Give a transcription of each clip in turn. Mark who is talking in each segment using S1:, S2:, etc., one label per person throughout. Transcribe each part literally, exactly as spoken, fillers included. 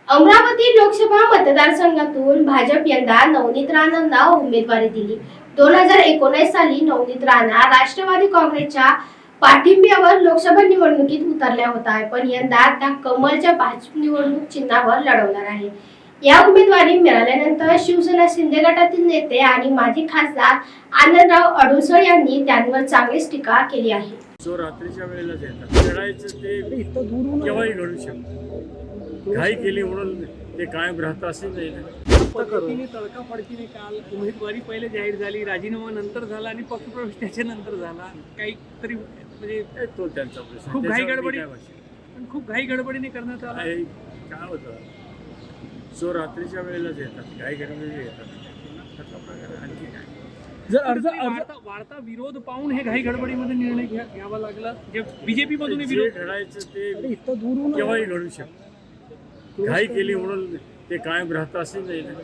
S1: अमरावती लोकसभा मतदारसंघातून भाजप यंदा नवनीत राणांना उमेदवारी दिली। दोन हजार एकोणीस साली नवनीत राणा राष्ट्रवादी काँग्रेसच्या पाठिंब्यावर लोकसभा निवडणुकीत उतरल्या होत्या, पण यंदा त्या कमलच्या भाजप निवडणूक चिन्हावर लढवणार आहे। या उमेदवारी मिळाल्यानंतर शिवसेना शिंदे गटातील नेते आणि माजी खासदार आनंदराव अडुसळ यांनी त्यांवर चांगलीच टीका केली आहे।
S2: जो रात्रीच्या वेळेलाच येतात लढायचं ते केव्हाही घडू शकतं। घाई केली म्हणून ते कायम राहतं असे नाही ना।
S3: पद्धतीने तडकाफडकीने काल उमेदवारी पहिले जाहीर झाली, राजीनामा नंतर झाला आणि पक्षप्रवेश त्याच्यानंतर झाला। काहीतरी म्हणजे
S2: तो त्यांचा प्रश्न,
S3: खूप घाई
S2: त्याच्यावर मी
S3: गडबडी
S2: काय भाषण.
S3: पण खूप घाई गडबडीने करण्यात आला।
S2: काय काय होतं, जो रात्रीच्या वेळेलाच येतात घाई गडबडीने येतात, त्याचा प्रकार आहे। आणखी काय
S3: जर अर्ज वाढता वाढता विरोध पाहून हे घाई गडबडीमध्ये निर्णय घ्या घ्यावा लागला। जे बीजेपी मधून
S2: जे
S3: विरोध
S2: घडायचं ते केव्हाही घडू शकतं। घाई केली म्हणून ते कायम राहतं असे नाही ना।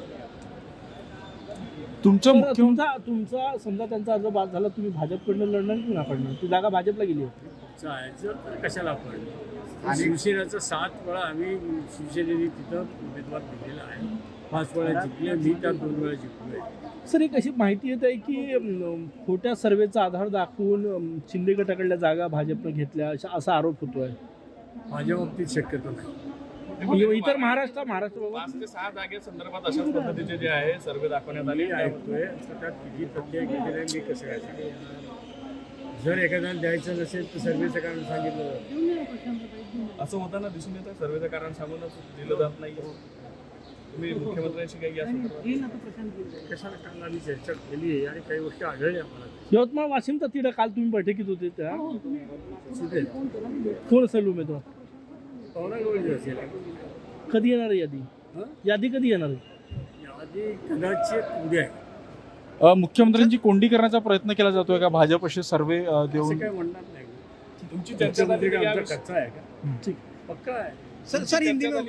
S4: तुमचा तुमचा तुमचा समजा त्यांचा अर्ज बाद झाला, तुम्ही भाजपकडनं लढणार की नाकडणार? ती जागा भाजपला गेली होती।
S2: जायचं तर कशाला आपण, शिवसेनेचा सात वेळा आम्ही शिवसेनेने तिथं उमेदवार दिलेला आहे। पाच वेळा जिंकले, मी त्यात दोन वेळा जिंकलोय।
S4: सर, एक अशी माहिती येत आहे की अम, खोट्या सर्वेचा आधार दाखवून अम, शिंदे गटाकडल्या जागा भाजपनं घेतल्या अशा असा आरोप होतोय।
S2: माझ्या बाबतीत शक्यतो नाही।
S4: इतर महाराष्ट्र महाराष्ट्र
S5: पाच ते सहा जागेसंदर्भात अशाच पद्धतीचे जे आहे सर्वे दाखवण्यात आले
S2: मी ऐकतोय तर त्यात किती प्रत्येक घेतलेला आहे मी कसं काय सांगू? जर एखाद्याला द्यायचं नसेल तर सर्वेचं कारण सांगितलं जातं।
S5: असं होताना दिसून येतं। सर्वेचं कारण सांगूनच दिलं जात नाही। तुम्ही मुख्यमंत्र्यांशी काही या संदर्भात
S2: कशाला काल आम्ही चर्चा केली आहे आणि काही गोष्टी आढळल्या मला।
S4: यवतमाळ वाशिमचा तिढा काल तुम्ही बैठकीत होते त्या
S2: तिथे
S4: कोण असेल उमेदवार?
S2: पवनागवळी असेल।
S4: कधी येणार आहे यादी?
S2: हं?
S4: यादी कधी येणार आहे?
S2: यादी कदाचित उद्या आहे।
S6: अ, मुख्यमंत्र्यांची कोंडी करण्याचा प्रयत्न केला जातोय का भाजप असे सर्वे अ,
S2: असं
S6: देऊन?
S2: काय म्हणणार नाही।
S5: तुमची चर्चा झाली
S2: मुख्यमंत्री
S5: का
S2: काय
S5: या
S2: आमचा
S5: विषयी?
S2: कच्चा आहे का?
S4: ठीक.
S2: पक्का आहे।
S7: सर सर इन दिनों